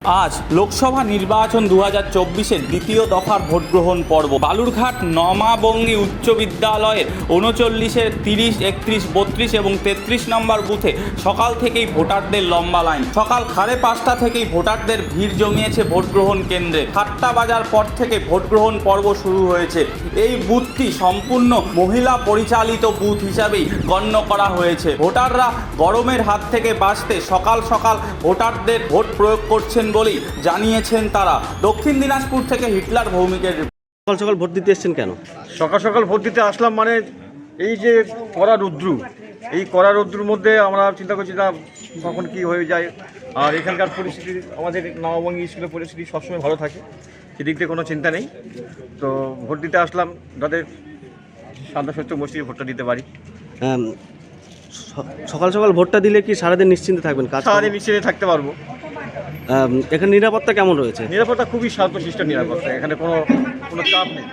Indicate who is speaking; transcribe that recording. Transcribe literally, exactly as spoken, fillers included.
Speaker 1: আজ লোকসভা নির্বাচন দু হাজার চব্বিশের দ্বিতীয় দফার ভোট গ্রহণ পর্ব। বালুরঘাট নমাবঙ্গী উচ্চ বিদ্যালয়ের উনচল্লিশের তিরিশ, একত্রিশ, বত্রিশ এবং তেত্রিশ নম্বর বুথে সকাল থেকেই ভোটারদের লম্বা লাইন। সকাল সাড়ে পাঁচটা থেকেই ভোটারদের ভিড় জমিয়েছে ভোট গ্রহণ কেন্দ্রে। সাতটা বাজার পর থেকে ভোট গ্রহণ পর্ব শুরু হয়েছে। এই বুথটি সম্পূর্ণ মহিলা পরিচালিত বুথ হিসাবেই গণ্য করা হয়েছে। ভোটাররা গরমের হাত থেকে বাঁচতে সকাল সকাল ভোটারদের ভোট প্রয়োগ করছেন বলেই জানিয়েছেন তারা। দক্ষিণ দিনাজপুর থেকে হিটলার ভৌমিকের।
Speaker 2: সকাল সকাল ভোট দিতে এসেছেন কেন?
Speaker 3: সকাল সকাল ভোট দিতে আসলাম মানে এই যে কড়া রৌদ্রু, এই কড়া রৌদ্রুর মধ্যে আমরা চিন্তা করছি না কখন কী হয়ে যায়। আর এখানকার পরিস্থিতি, আমাদের নববঙ্গী স্কুলের পরিস্থিতি সবসময় ভালো থাকে, সেদিক দিয়ে কোনো চিন্তা নেই। তো ভোট দিতে আসলাম যাতে শান্ত সত্য মসজিদে ভোটটা দিতে পারি।
Speaker 2: আম, স- সকাল সকাল ভোটটা দিলে কি সারাদিন নিশ্চিন্তে থাকবেন? কাজ
Speaker 3: সারাদিন নিশ্চিন্তে থাকতে পারবো।
Speaker 2: আম, এখানে নিরাপত্তা কেমন রয়েছে?
Speaker 3: নিরাপত্তা খুবই শান্তশিষ্ট নিরাপত্তা, এখানে কোনো কোনো চাপ নেই।